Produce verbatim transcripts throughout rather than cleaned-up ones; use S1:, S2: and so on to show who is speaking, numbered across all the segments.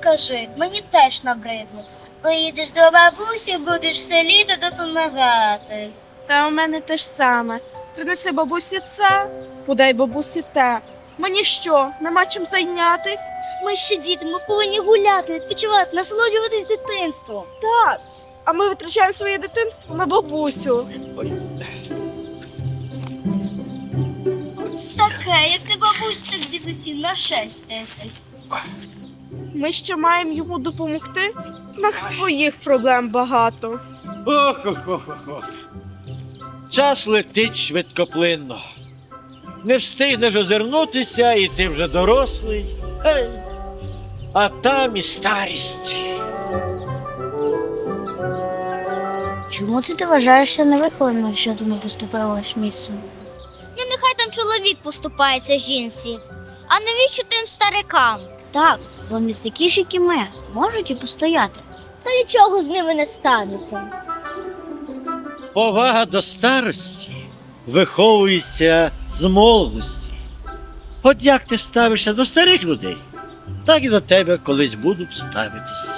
S1: кажи, мені теж набридло. Поїдеш до бабусі, будеш все літо допомагати.
S2: Та у мене те ж саме. Принеси бабусі це, подай бабусі те. Мені що, нема чим зайнятись?
S1: Ми ще діти, ми повинні гуляти, відпочивати, насолоджуватись дитинством.
S2: Так. А ми витрачаємо своє дитинство на бабусю.
S1: Таке, як не бабусь, так дідусі, нашестяйтесь.
S2: Ми ще маємо йому допомогти. У нас своїх проблем багато.
S3: Ох-ох-ох-ох. Час летить швидкоплинно. Не встигнеш озирнутися, і ти вже дорослий. Гей. А там і старість.
S1: Чому це ти вважаєшся невихованим, якщо ти не поступилась місцем? Ну, нехай там чоловік поступається жінці. А навіщо тим старикам? Так, вони такі ж, як і ми, можуть і постояти. Та нічого з ними не станеться.
S3: Повага до старості виховується з молодості. От як ти ставишся до старих людей, так і до тебе колись будуть ставитись.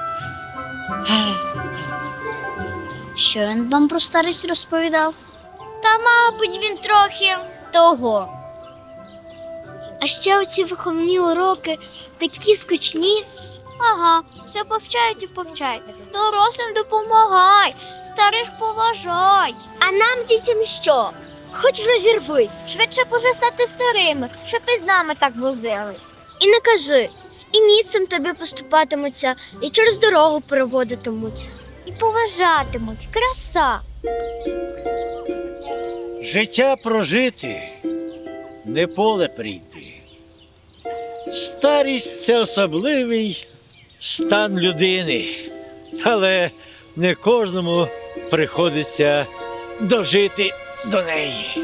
S1: Що він вам про старість розповідав? Та, мабуть, він трохи того. А ще оці виховні уроки такі скучні. Ага, все повчають і повчають. Дорослим допомагай, старих поважай. А нам дітям що? Хоч розірвись, швидше б уже стати старими, щоб і з нами так возили. І не кажи, і місцем тобі поступатимуться, і через дорогу переводитимуть. І поважатимуть. Краса.
S3: Життя прожити, не поле прийти. Старість – це особливий стан людини, але не кожному приходиться дожити до неї.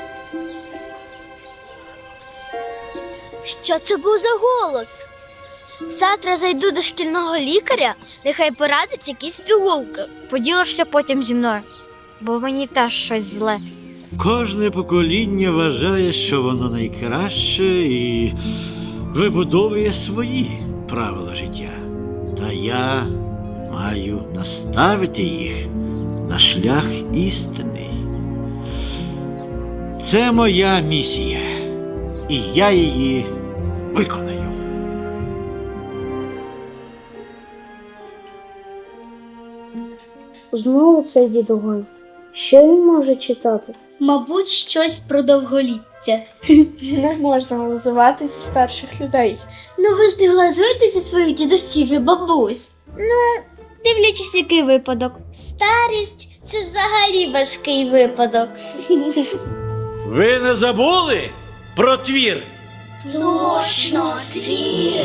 S1: Що це був за голос? Завтра зайду до шкільного лікаря, нехай порадить якісь пігулки. Поділишся потім зі мною, бо мені теж щось зле.
S3: Кожне покоління вважає, що воно найкраще і вибудовує свої правила життя. Та я маю наставити їх на шлях істини. Це моя місія, і я її виконаю.
S1: Знову цей дідуган. Що він може читати? Мабуть, щось про довголіття.
S2: Не можна називатися старших людей.
S1: Ну ви ж не глазуєтеся своїх дідусів і бабусь. Ну, дивлячись, який випадок. Старість – це взагалі важкий випадок.
S3: Ви не забули про твір?
S1: Точно, твір.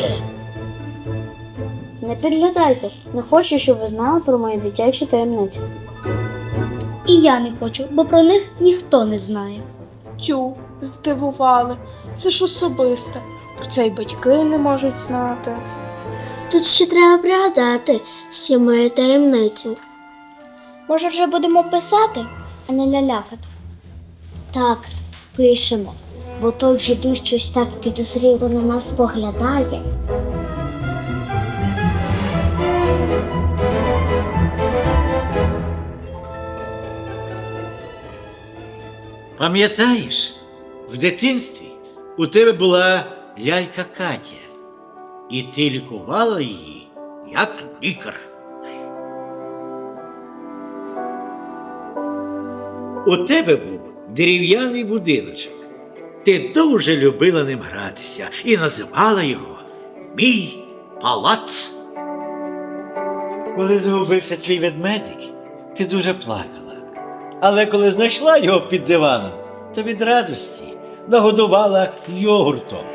S4: Не підглядайте. Не хочу, щоб ви знали про мої дитячі таємниці.
S1: І я не хочу, бо про них ніхто не знає.
S2: Тю, здивували. Це ж особисте. Про це й батьки не можуть знати.
S1: Тут ще треба пригадати всі мої таємниці. Може, вже будемо писати, а не лялякати? Так, пишемо, бо той дідусь щось так підозріло на нас поглядає.
S3: Пам'ятаєш, в дитинстві у тебе була лялька Катя, і ти лікувала її як лікар. У тебе був дерев'яний будиночок. Ти дуже любила ним гратися і називала його «Мій палац». Коли згубився твій ведмедик, ти дуже плакала. Але коли знайшла його під диваном, то від радості нагодувала йогуртом.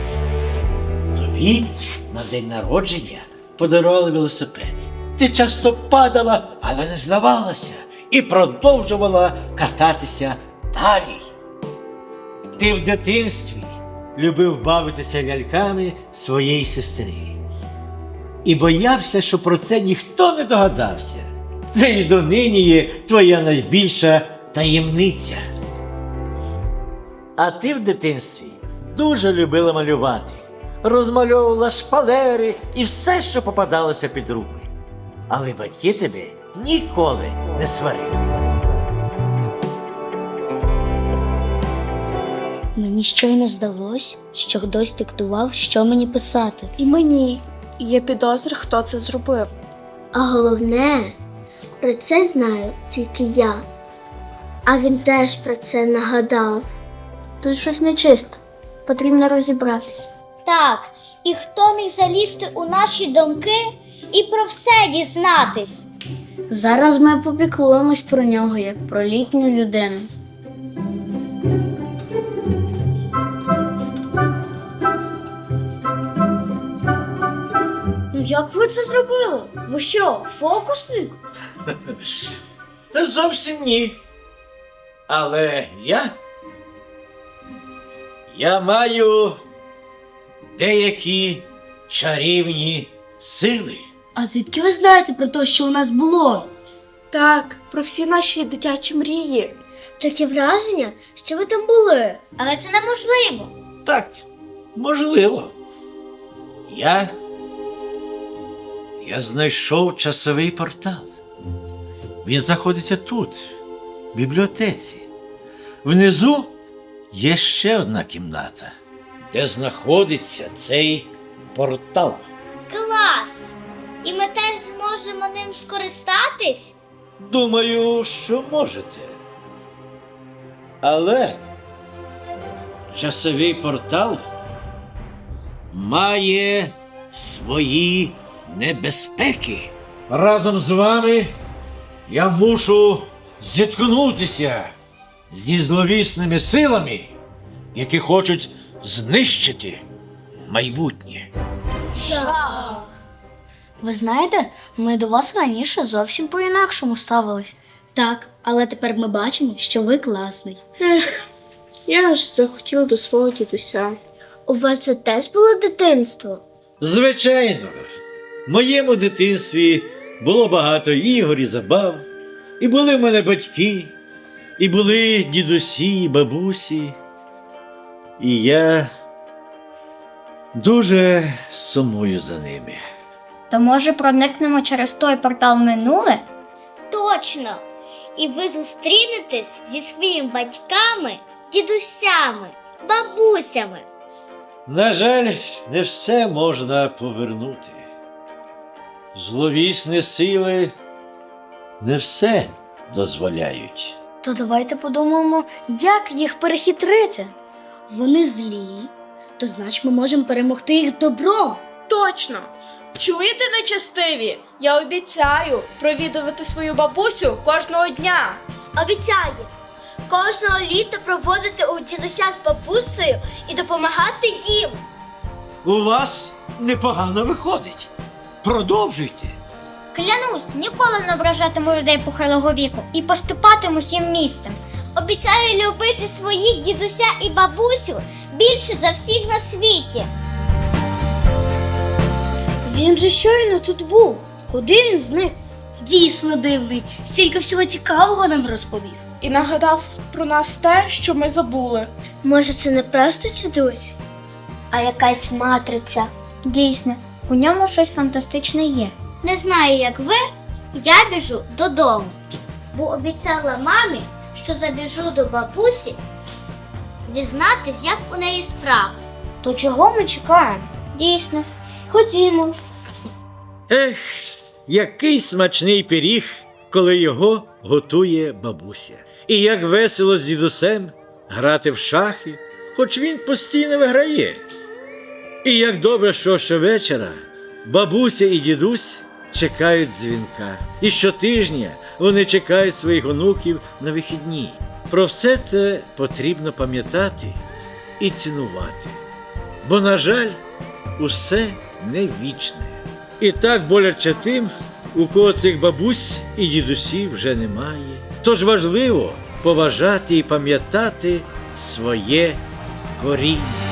S3: Тобі на день народження подарували велосипед. Ти часто падала, але не здавалася і продовжувала кататися далі. Ти в дитинстві любив бавитися ляльками своєї сестри. І боявся, що про це ніхто не догадався. Це і донині є твоя найбільша таємниця. А ти в дитинстві дуже любила малювати. розмальовувала шпалери і все, що попадалося під руки. Але батьки тебе ніколи не сварили.
S4: Мені щойно здалось, що хтось диктував, що мені писати.
S2: І мені є підозри, хто це зробив.
S1: А головне, про це знаю тільки я. А він теж про це нагадав.
S4: Тут щось нечисто. Потрібно розібратись.
S1: Так, і хто міг залізти у наші думки і про все дізнатись?
S4: Зараз ми попіклуємось про нього, як про літню людину. Ну як ви це зробили? Ви що, фокусник?
S3: Та зовсім ні. Але я. Я маю деякі чарівні сили.
S4: А звідки ви знаєте про те, що у нас було?
S2: Так, про всі наші дитячі мрії.
S1: Таке враження, що ви там були, але це неможливо.
S3: Так, можливо. Я. Я знайшов часовий портал. Він знаходиться тут, в бібліотеці. Внизу є ще одна кімната, де знаходиться цей портал.
S1: Клас! І ми теж зможемо ним скористатись?
S3: Думаю, що можете. Але часовий портал має свої небезпеки. Разом з вами я мушу зіткнутися зі зловісними силами, які хочуть знищити майбутнє.
S4: Ви знаєте, ми до вас раніше зовсім по-інакшому ставились. Так, але тепер ми бачимо, що ви класний.
S2: Я ж захотіла до свого дідуся.
S1: У вас же теж було дитинство?
S3: Звичайно, в моєму дитинстві було багато ігор і забав, і були в мене батьки, і були дідусі, і бабусі. І я дуже сумую за ними.
S1: То може проникнемо через той портал в минуле? Точно! І ви зустрінетесь зі своїми батьками, дідусями, бабусями.
S3: На жаль, не все можна повернути. Зловісні сили не все дозволяють.
S4: То давайте подумаємо, як їх перехитрити. Вони злі, то значить ми можемо перемогти їх добром.
S2: Точно! Чуєте, нечестиві? Я обіцяю провідувати свою бабусю кожного дня.
S1: Обіцяю, кожного літа проводити у дідуся з бабусею і допомагати їм.
S3: У вас непогано виходить. Продовжуйте.
S1: Клянусь, ніколи не ображатиму людей похилого віку і поступатиму всім місцем. Обіцяю любити своїх дідуся і бабусю більше за всіх на світі.
S4: Він же щойно тут був. Куди він зник? Дійсно дивний, стільки всього цікавого нам розповів.
S2: І нагадав про нас те, що ми забули.
S1: Може, це не просто дідусь, а якась матриця. Дійсно, у ньому щось фантастичне є. Не знаю, як ви, я біжу додому, бо обіцяла мамі, що забіжу до бабусі дізнатись, як у неї справи.
S4: То чого ми чекаємо?
S1: Дійсно, ходімо.
S3: Ех, який смачний пиріг, коли його готує бабуся. І як весело з дідусем грати в шахи, хоч він постійно виграє. І як добре, що щовечора бабуся і дідусь чекають дзвінка. І щотижня вони чекають своїх онуків на вихідні. Про все це потрібно пам'ятати і цінувати. Бо, на жаль, усе не вічне. І так боляче тим, у кого цих бабусь і дідусів вже немає. Тож важливо поважати і пам'ятати своє коріння.